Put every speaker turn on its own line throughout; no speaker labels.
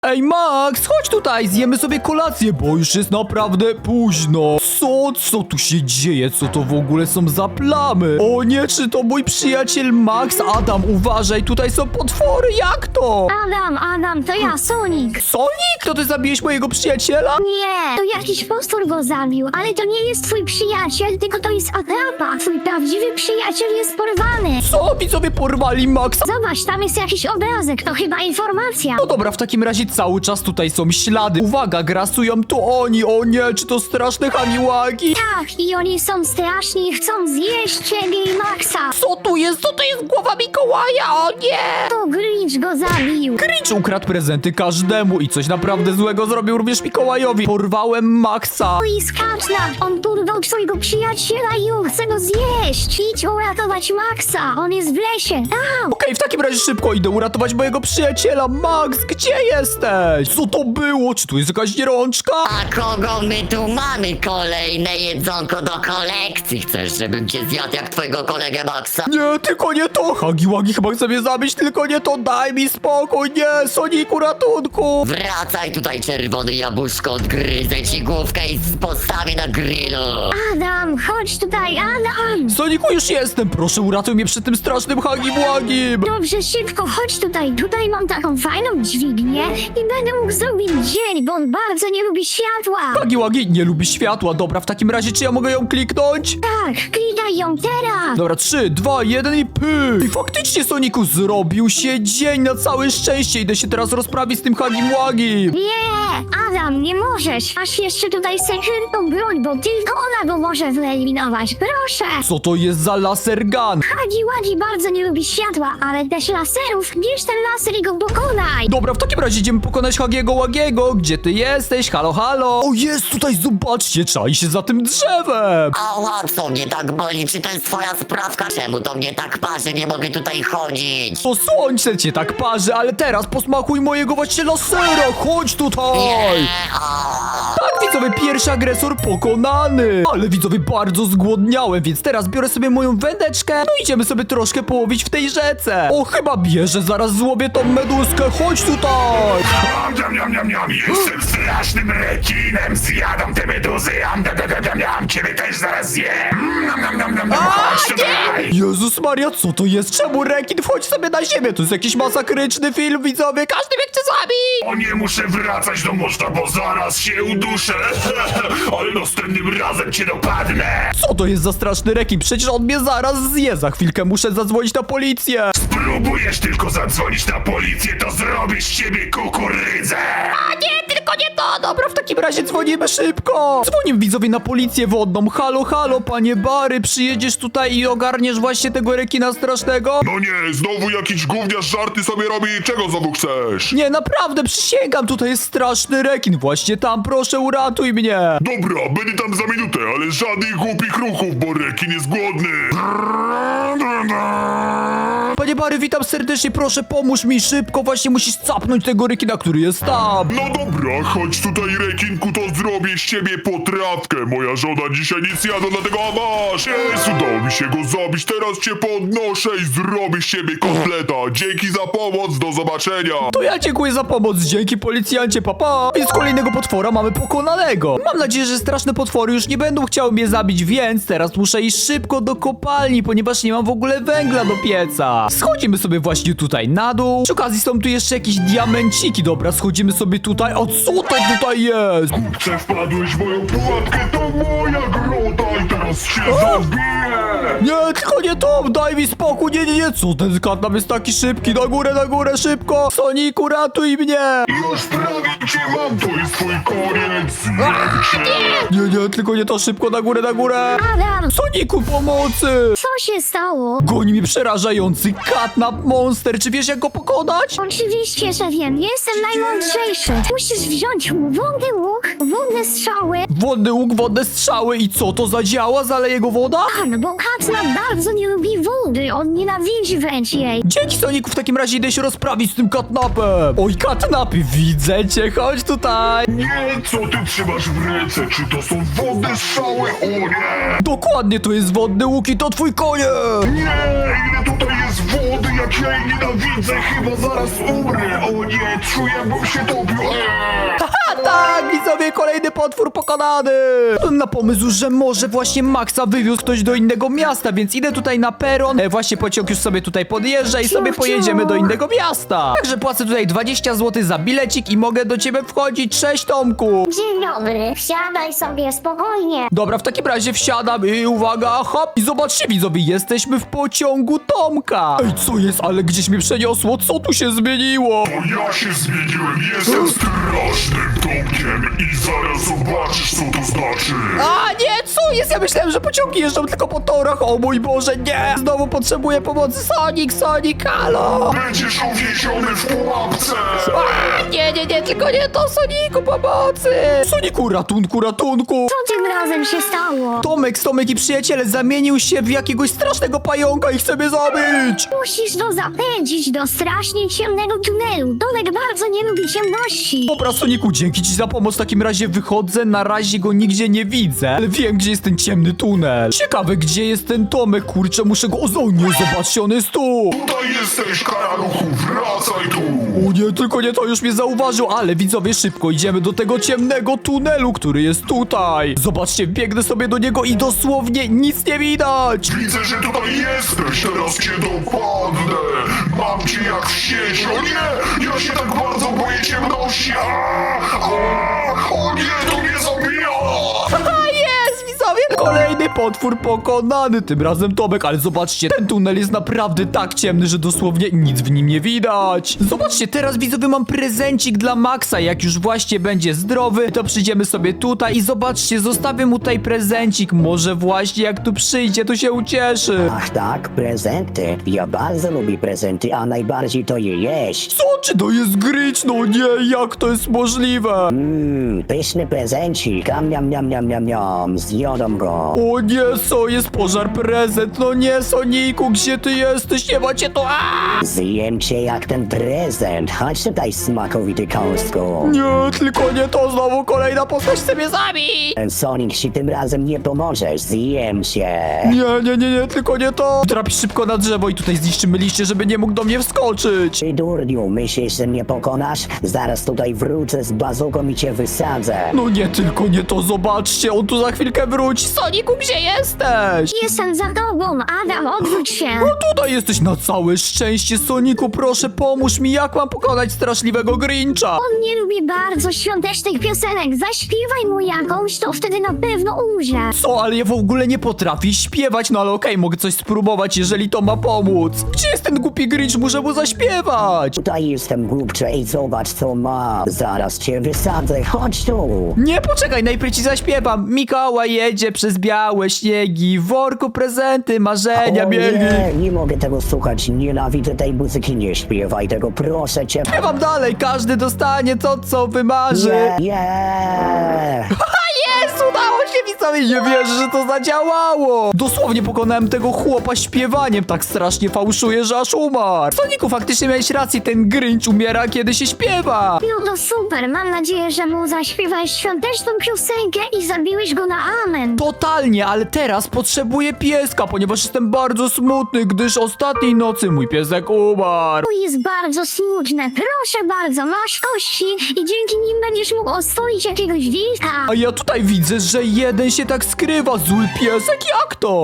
Ej, Max, chodź tutaj, zjemy sobie kolację, bo już jest naprawdę późno. Co tu się dzieje? Co to w ogóle są za plamy? O nie, czy to mój przyjaciel Max? Adam, uważaj, tutaj są potwory, jak to?
Adam, to ja, Sonic.
Sonic? To ty zabiłeś mojego przyjaciela?
Nie, to jakiś postur go zabił, ale to nie jest twój przyjaciel, tylko to jest atrapa. Twój prawdziwy przyjaciel jest porwany.
Co? Widzowie porwali Maxa?
Zobacz, tam jest jakiś obrazek, to chyba informacja.
No dobra, w takim razie cały czas tutaj są ślady. Uwaga, grasują tu oni. O nie, czy to straszne hamiłagi?
Tak, i oni są straszni i chcą zjeść ciebie i Maxa.
Co tu jest? Co to jest głowa Mikołaja? O nie!
To Grinch go zabił.
Grinch ukradł prezenty każdemu i coś naprawdę złego zrobił również Mikołajowi. Porwałem Maxa.
No i skacz on porwał twojego przyjaciela i on chce go zjeść. Idź uratować Maxa, on jest w lesie. Tam.
Okej, w takim razie szybko idę uratować mojego przyjaciela. Max, gdzie jesteś? Co to było? Czy tu jest jakaś rączka?
A kogo my tu mamy? Kolejne jedzonko do kolekcji. Chcesz, żebym cię zjadł jak twojego kolegę Maxa?
Nie, tylko nie to. Hagiłagi chyba chce mnie zabić, tylko nie to. Daj mi spokój. Nie, Soniku, ratunku.
Wracaj tutaj, czerwony jabłuszko, odgryzę ci główkę i postawię na grillu.
Adam, chodź tutaj, Adam.
Soniku, już jestem. Proszę, uratuj mnie przed tym strasznym Hagiłagim.
Dobrze, szybko, chodź tutaj. Tutaj mam taką fajną dźwignię i będę mógł zrobić dzień, bo on bardzo nie lubi światła.
Hagiłagi nie lubi światła. Dobra, w takim razie czy ja mogę ją kliknąć?
Tak, klikaj ją teraz.
Dobra, 3, 2, 1 i pyk! I faktycznie, Soniku, zrobił się dzień na całe szczęście. Idę się teraz rozprawić z tym Hagimłagim.
Nie, Adam, nie możesz. Masz jeszcze tutaj sekretną broń, bo tylko ona go może wyeliminować. Proszę.
Co to jest za laser gun?
Hagi bardzo nie lubi światła, ale też laserów. Bierz ten laser i go pokonaj.
Dobra, w takim razie idziemy pokonać Hagiego Łagiego. Gdzie ty jesteś? Halo, halo? O, jest tutaj, zobaczcie, czai się za tym drzewem.
Ała, co mnie tak boli? Czy to jest twoja sprawka? Czemu to mnie tak parzy? Nie mogę tutaj chodzić.
To słońce cię tak parzy, ale teraz posmakuj mojego właśnie lasera. Chodź tutaj.
Nie,
Tak, widzowie, pierwszy agresor pokonany. Ale widzowie, bardzo zgłodniałem, więc teraz biorę sobie moją wędeczkę. No idziemy sobie troszkę połowić w tej rzece. O, chyba bierze, zaraz złowię tą meduskę. Chodź tutaj.
Niam, jestem strasznym rekinem, zjadam te meduzy, ciebie też zaraz zjem. Chodź tutaj.
Jezus Maria, co to jest? Czemu rekin wchodzi sobie na ziemię? To jest jakiś masakryczny film, widzowie. Każdy mnie chce zabić.
O nie, muszę wracać do morza, bo zaraz się uduszę. Ale następnym razem cię dopadnę.
Co to jest za straszny rekin? Przecież on mnie zaraz zje. Za chwilkę muszę zadzwonić na policję.
Spróbujesz tylko zadzwonić na policję, to zrobisz z ciebie kukurydzę.
A nie, tylko nie to. Dobra, w takim razie dzwonimy szybko. Dzwonimy widzowie na policję wodną. Halo, halo, panie Bary, przyjedziesz tutaj i ogarniesz właśnie tego rekina strasznego?
No nie, znowu jakiś gówniarz żarty sobie robi. Czego znowu chcesz?
Nie, naprawdę, przysięgam, tutaj jest straszny rekin. Właśnie tam, proszę, uratuj mnie.
Dobra, będę tam za minutę, ale żadnych głupich ruchów, bo rekin jest głodny.
Panie Bary, witam serdecznie, proszę, pomóż mi szybko. Właśnie musisz capnąć tego rekina, który jest tam.
No dobra, chodź tutaj, rekinku, to zrobię z ciebie potrawkę. Moja żona dzisiaj nic jadła, dlatego a masz. Jest, udało mi się go zabić, teraz cię podnoszę i zrobię z ciebie kotleta. Dzięki za pomoc, do zobaczenia.
To ja dziękuję za pomoc, dzięki policjancie, papa. Więc kolejnego potwora mamy pokonanego. Mam nadzieję, że straszne potwory już nie będą chciały mnie zabić, więc teraz muszę iść szybko do kopalni, ponieważ nie mam w ogóle węgla do pieca. Schodzimy sobie właśnie tutaj na dół. Przy okazji są tu jeszcze jakieś diamenciki. Dobra, schodzimy sobie tutaj. O, co to tutaj jest?
Kupcze, wpadłeś w moją pułapkę, to moja grota i teraz się zabiję.
Nie, tylko nie to, daj mi spokój, nie, co ten katnap jest taki szybki, na górę, szybko, Soniku, ratuj mnie!
Już prawie cię mam, to jest twój koniec.
Nie, tylko nie to, szybko, na górę!
Adam,
Soniku, pomocy!
co się stało?
Goni mi przerażający katnap monster, czy wiesz jak go pokonać?
Oczywiście, że wiem, jestem najmądrzejszy. Musisz wziąć wodny łuk, wodne strzały.
Wodny łuk, wodne strzały i co, to zadziała, zaleje go woda?
Tak, bo Katnap bardzo nie lubi wody, on nienawidzi wręcz jej.
Dzięki, Soniku, w takim razie idę się rozprawić z tym katnapem! Oj, katnapy, widzę cię, chodź tutaj!
Nie, co ty trzymasz w ręce? Czy to są wodne strzały? O nie!
Dokładnie, to jest wodny łuk i to twój konie!
Nie, ile tutaj jest wody, jak ja jej nienawidzę, chyba zaraz umrę. O nie, czuję, bym się topił.
A tak, widzowie, kolejny potwór pokonany! Wpadłem na pomysł, że może właśnie Maxa wywiózł ktoś do innego miasta, więc idę tutaj na peron. Właśnie pociąg już sobie tutaj podjeżdża i sobie pojedziemy do innego miasta. Także płacę tutaj 20 zł za bilecik i mogę do ciebie wchodzić. Cześć, Tomku!
Dzień dobry, wsiadaj sobie spokojnie.
Dobra, w takim razie wsiadam i uwaga, hop! I zobaczcie, widzowie, jesteśmy w pociągu Tomka! Ej, co jest? Ale gdzieś mnie przeniosło, co tu się zmieniło?
To ja się zmieniłem, jestem strasznym Tomkiem i zaraz zobaczysz, co to znaczy.
A nie, co jest? Ja myślałem, że pociągi jeżdżą tylko po torach. O mój Boże, nie! Znowu potrzebuję pomocy. Sonic, halo!
Będziesz uwięziony w pułapce.
A, nie, tylko nie to, Soniku, pomocy! Soniku, ratunku!
Co tym razem się stało?
Tomek i przyjaciele zamienił się w jakiegoś strasznego pająka i chce mnie zabić!
Musisz go zapędzić do strasznie ciemnego tunelu. Tomek bardzo nie lubi ciemności.
Dobra, Soniku, dzięki ci za pomoc. W takim razie wychodzę, na razie go nigdzie nie widzę, ale wiem, gdzie jest ten ciemny tunel. Ciekawe, gdzie jest ten Tomek, kurczę, muszę go... O nie, zobaczcie, on jest tu!
Tutaj jesteś, karaluchu, wracaj tu.
O nie, tylko nie to, już mnie zauważył, ale widzowie, szybko idziemy do tego ciemnego tunelu, który jest tutaj. Zobaczcie, biegnę sobie do niego i dosłownie nic nie widać.
Widzę, że tutaj jesteś, teraz cię dopadnę. Mam cię jak w sieć. O nie, ja się tak bardzo boję ciemności. O nie, to mnie zabija.
A jest, widzowie, kolejny potwór pokonany, tym razem Tomek, ale zobaczcie, ten tunel jest naprawdę tak ciemny, że dosłownie nic w nim nie widać. Zobaczcie, teraz widzowie mam prezencik dla Maxa, jak już właśnie będzie zdrowy, to przyjdziemy sobie tutaj i zobaczcie, zostawię mu tutaj prezencik, może właśnie jak tu przyjdzie, to się ucieszy.
Ach tak, prezenty. Ja bardzo lubię prezenty, a najbardziej to je jeść.
Co, czy to jest Grinch? No nie, jak to jest możliwe?
Pyszny prezencik, miam, zjadam go.
O nie, co jest pożar prezent? No nie, Soniku, gdzie ty jesteś? Nie macie to.
Zjem cię jak ten prezent. Chodź tutaj, smakowity kąsku.
Nie, tylko nie to, znowu kolejna postać chce mnie zabić!
Ten Sonic ci tym razem nie pomożesz, zjem cię.
Nie, tylko nie to! Trapisz szybko na drzewo i tutaj zniszczymy liście, żeby nie mógł do mnie wskoczyć!
Ty durniu, myślisz, że mnie pokonasz? Zaraz tutaj wrócę z bazuką i cię wysadzę.
No nie, tylko nie to, zobaczcie, on tu za chwilkę wróci! Soniku, gdzie jesteś?
Jestem za tobą, Adam, odwróć się.
No tutaj jesteś na całe szczęście, Soniku, proszę pomóż mi, jak mam pokonać straszliwego Grincha?
On nie lubi bardzo świątecznych piosenek. Zaśpiewaj mu jakąś, to wtedy na pewno umrze.
Co, ale ja w ogóle nie potrafię śpiewać, no ale okej, mogę coś spróbować, jeżeli to ma pomóc. Gdzie jest ten głupi Grinch? Muszę mu zaśpiewać!
Tutaj jestem głupcze i zobacz co ma. Zaraz cię wysadzę, chodź tu.
Nie, poczekaj, najpierw ci zaśpiewam. Mikołaj jedzie przez białe śniegi, w worku prezenty, marzenia biegi.
nie mogę tego słuchać, nienawidzę tej muzyki, nie śpiewaj tego, proszę cię.
Śpiewam dalej, każdy dostanie to, co wymarzy. Jest, udało się, widzowie, nie wierzę, że to zadziałało. Dosłownie pokonałem tego chłopa śpiewaniem, tak strasznie fałszuję, że aż umarł. Soniku, faktycznie miałeś rację, ten Grinch umiera, kiedy się śpiewa.
No to super, mam nadzieję, że mu zaśpiewałeś świąteczną piosenkę i zabiłeś go na amen.
Totalnie, ale teraz potrzebuję pieska, ponieważ jestem bardzo smutny, gdyż ostatniej nocy mój piesek umarł.
To jest bardzo smutne. Proszę bardzo, masz kości i dzięki nim będziesz mógł oswoić jakiegoś wilka.
A ja tutaj widzę, że jeden się tak skrywa, zły piesek, jak to?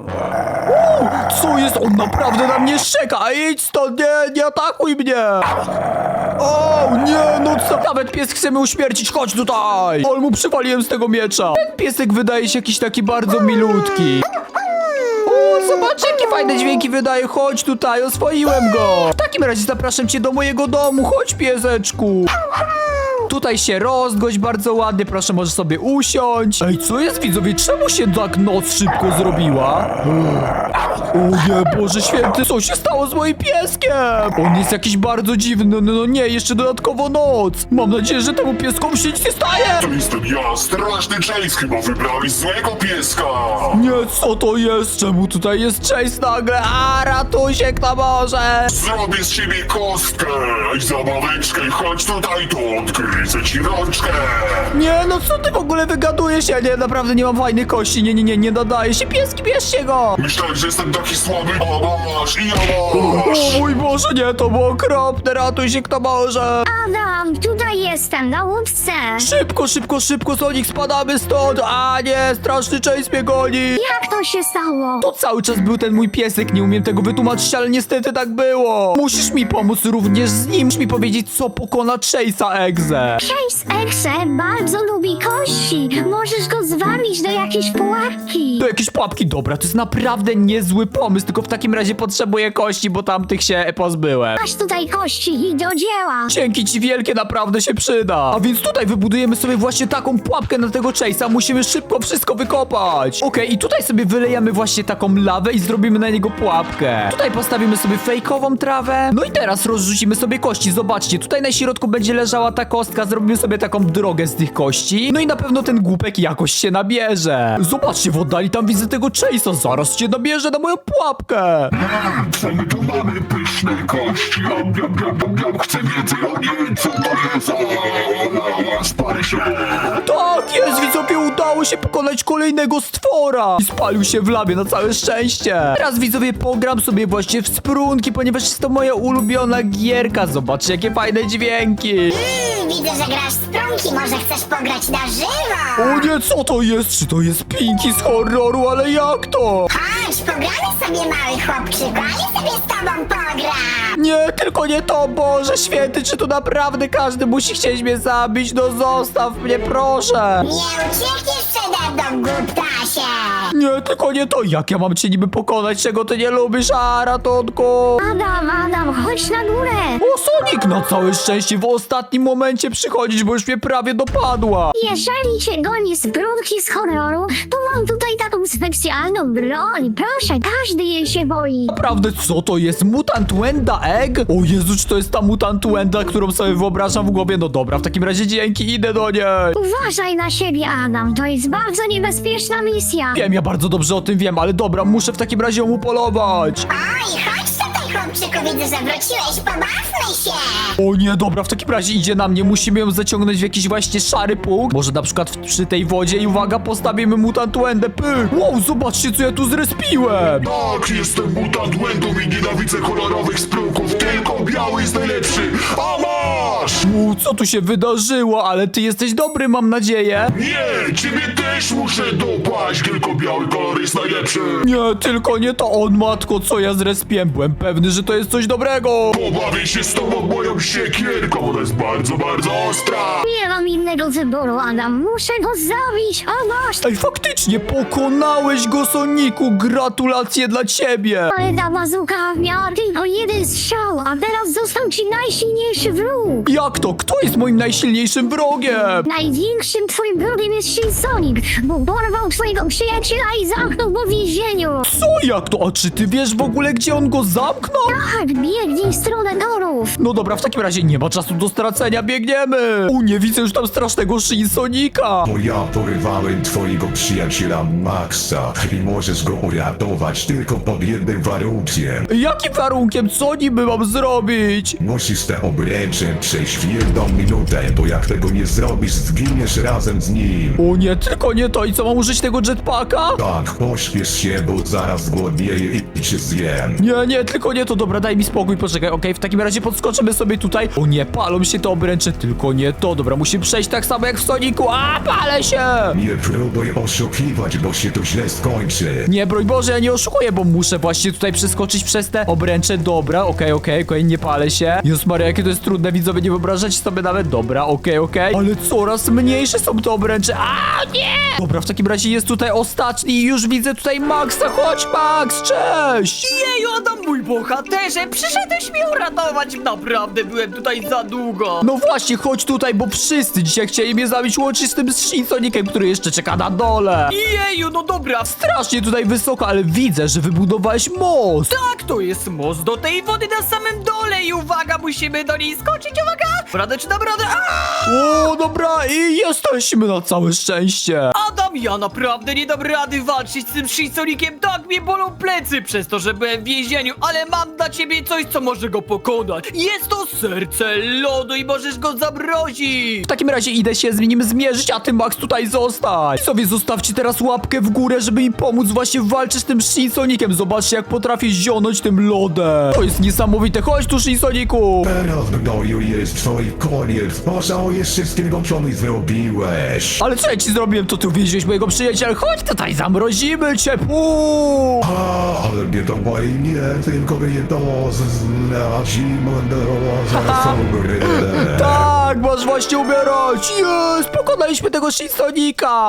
Co jest? On naprawdę na mnie szczeka, a idź stąd, nie atakuj mnie! O, nie, no co? Nawet pies chce mnie uśmiercić, chodź tutaj! Ale mu przywaliłem z tego miecza. Ten piesek wydaje się jakiś taki bardzo milutki. O, zobacz, jakie fajne dźwięki wydaje, chodź tutaj, oswoiłem go! W takim razie zapraszam cię do mojego domu, chodź pieseczku! Tutaj się rozgość bardzo ładnie, proszę, możesz sobie usiąść. Ej, co jest, widzowie? Czemu się tak noc szybko zrobiła? O nie, Boże święty, co się stało z moim pieskiem? On jest jakiś bardzo dziwny, no nie, jeszcze dodatkowo noc. Mam nadzieję, że temu pieskowi się nic nie staje.
To jestem ja, straszny Chase, chyba wybrałeś złego pieska.
Nie, co to jest? Czemu tutaj jest Chase nagle? A, ratuj się, kto może?
Zrobię z ciebie kostkę i zabaweczkę, chodź tutaj to odkryj. Ugryzę ci rączkę!
Nie, no co ty w ogóle wygadujesz? Ja nie, naprawdę nie mam fajnych kości. Nie nadaje się. Pieski, bierzcie go!
Myślałem, że jestem taki słaby, a masz i ja masz!
O mój Boże, nie, to było okropne. Ratuj się, kto może.
Adam, tutaj jestem, na łódce.
Szybko, Sonic, spadamy stąd. A nie, straszny Chase mnie goni.
Jak to się stało?
To cały czas był ten mój piesek, nie umiem tego wytłumaczyć, ale niestety tak było. Musisz mi pomóc również z nim. Musisz mi powiedzieć, co pokona Chase'a Egze.
Chase Exe bardzo lubi kości. Możesz go zwabić do jakiejś pułapki.
Do jakieś pułapki, dobra, to jest naprawdę niezły pomysł, tylko w takim razie potrzebuję kości, bo tamtych się pozbyłem.
Masz tutaj kości i do dzieła.
Dzięki ci wielkie, naprawdę się przyda. A więc tutaj wybudujemy sobie właśnie taką pułapkę na tego Chase'a. Musimy szybko wszystko wykopać. Okej, i tutaj sobie wylejemy właśnie taką lawę i zrobimy na niego pułapkę. Tutaj postawimy sobie fejkową trawę. No i teraz rozrzucimy sobie kości. Zobaczcie, tutaj na środku będzie leżała ta kostka. Zrobimy sobie taką drogę z tych kości. No i na pewno ten głupek jakoś się nabierze. Zobaczcie, w oddali tam widzę tego Chase'a. Zaraz się nabierze na moją pułapkę.
Co my tu mamy? Pyszne kości! Chcę więcej, o nie, co to jest? Spalę się!
Tak jest, widzowie, udało się pokonać kolejnego stwora. I spalił się w labie na całe szczęście. Teraz, widzowie, pogram sobie właśnie w sprunki, ponieważ jest to moja ulubiona gierka. Zobaczcie, jakie fajne dźwięki.
Widzę, że grasz w prąki, może chcesz pograć na żywo?
O nie, co to jest? Czy to jest Pinki z horroru? Ale jak to?
Chodź, pogramy sobie, mały chłopczyku, a ja sobie z tobą pogram.
Nie, tylko nie to, Boże święty, czy tu naprawdę każdy musi chcieć mnie zabić? No zostaw mnie, proszę.
Nie uciekniesz przede mną, głuptasie.
Nie, tylko nie to. Jak ja mam cię niby pokonać, czego ty nie lubisz? A, ratunku.
Adam, chodź na górę.
O, Sonic, na całe szczęście w ostatnim momencie przychodzisz, bo już mnie prawie dopadła.
Jeżeli cię goni z brudki z horroru, to mam tutaj taką specjalną broń. Proszę, każdy jej się boi.
Naprawdę, co to jest? Mutant Wenda Egg? O Jezu, czy to jest ta Mutant Wenda, którą sobie wyobrażam w głowie? No dobra, w takim razie dzięki, idę do niej.
Uważaj na siebie, Adam. To jest bardzo niebezpieczna misja.
Wiem, ja bardzo dobrze o tym wiem, ale dobra, muszę w takim razie ją upolować.
Oj, chodź tutaj, chłopczyku, widzę, że wróciłeś, pobawmy się.
O nie, dobra, w takim razie idzie na mnie, musimy ją zaciągnąć w jakiś właśnie szary punkt. Może na przykład przy tej wodzie i uwaga, postawimy Mutant Wendę, pyk. Wow, zobaczcie, co ja tu zrespiłem.
Tak, jestem mutant Wendą i nienawidzę kolorowych sprunków, tylko biały jest najlepszy! A masz!
Co tu się wydarzyło? Ale ty jesteś dobry, mam nadzieję.
Nie, ciebie też muszę dopaść, tylko biały kolor jest najlepszy!
Nie, tylko nie to on, matko, co ja zrespiłem. Byłem pewny, że to jest coś dobrego.
Pobawię się z tobą moją siekierką, ona jest bardzo, bardzo ostra!
Nie mam innego wyboru, Adam. Muszę go zabić. O masz.
Ej, faktycznie, pokonałeś go, Soniku. Gratulacje dla ciebie.
Ale ta bazuka miała tylko jeden strzał, a teraz został ci najsilniejszy wróg.
Jak to? Kto jest moim najsilniejszym wrogiem?
Największym twoim wrogiem jest Shin Sonic, bo porwał twojego przyjaciela i zamknął go w więzieniu.
Co? Jak to? A czy ty wiesz w ogóle, gdzie on go zamknął?
Tak, biegnij w stronę torów.
No dobra, w takim razie nie ma czasu do stracenia, biegniemy. Nie widzę już tam strasznego Shin Sonika.
Bo ja porywałem twojego przyjaciela Maxa i możesz go uratować tylko pod jednym warunkiem.
Jakim warunkiem? Co niby mam zrobić?
Musisz te obręcze przejść w 1 minutę, bo jak tego nie zrobisz, zginiesz razem z nim.
O nie, tylko nie to. I co, mam użyć tego jetpacka?
Tak, pośpiesz się, bo zaraz głodnieję i cię zjem.
Nie, tylko nie to. Dobra, daj mi spokój, poczekaj, okej, w takim razie podskoczymy sobie tutaj. O nie, palą się te obręcze, tylko nie to. Dobra, musimy przejść tak samo jak w Soniku. A, palę się!
Nie próbuj oszukiwać, bo się to źle skończy.
Nie, broń Boże, ja nie oszukuję, bo muszę właśnie tutaj przeskoczyć przez te obręcze. Dobra, okej, nie palę się. Jezus Maria, jakie to jest trudne, widzowie, nie wyobrażacie sobie nawet. Dobra, okej. Ale coraz mniejsze są te obręcze. A, nie! Dobra, w takim razie jest tutaj ostatni i już widzę tutaj Maxa. Chodź, Max, cześć!
Jeju, Adam, mój bohaterze, przyszedłeś mnie uratować. Naprawdę byłem tutaj za długo.
No właśnie, chodź tutaj, bo wszyscy dzisiaj chcieli mnie zabić, łącznie z tym Shin Sonicem, który jeszcze czeka na dole.
Jeju, no dobra,
Strasznie tutaj wysoko, ale widzę, że wybudowałeś most.
tak, to jest most do tej wody na samym dole i uwaga, musimy do niej skoczyć, uwaga! Radę czy dam radę?
O, dobra, i jesteśmy na całe szczęście.
Adam, ja naprawdę nie dam rady walczyć z tym Shin Soniciem, tak mnie bolą plecy przez to, że byłem w więzieniu, ale mam mam dla ciebie coś, co może go pokonać. Jest to serce lodu i możesz go zamrozić.
W takim razie idę się z nim zmierzyć, a ty, Max, tutaj zostań. Sobie zostawcie teraz łapkę w górę, żeby mi pomóc właśnie walczyć z tym Shinsonikiem. Zobaczcie, jak potrafię zionąć tym lodem. To jest niesamowite. Chodź tu, Shinsoniku.
Teraz w gnoju jest twój koniec. Pożałujesz wszystkiego, co mi zrobiłeś.
Ale co ja ci zrobiłem? To ty uwięziłeś mojego przyjaciela. Chodź tutaj, zamrozimy cię.
Ale nie to moje nie, tylko jedno
Tak, masz właśnie umierać. Jest, pokonaliśmy tego Shinsonika.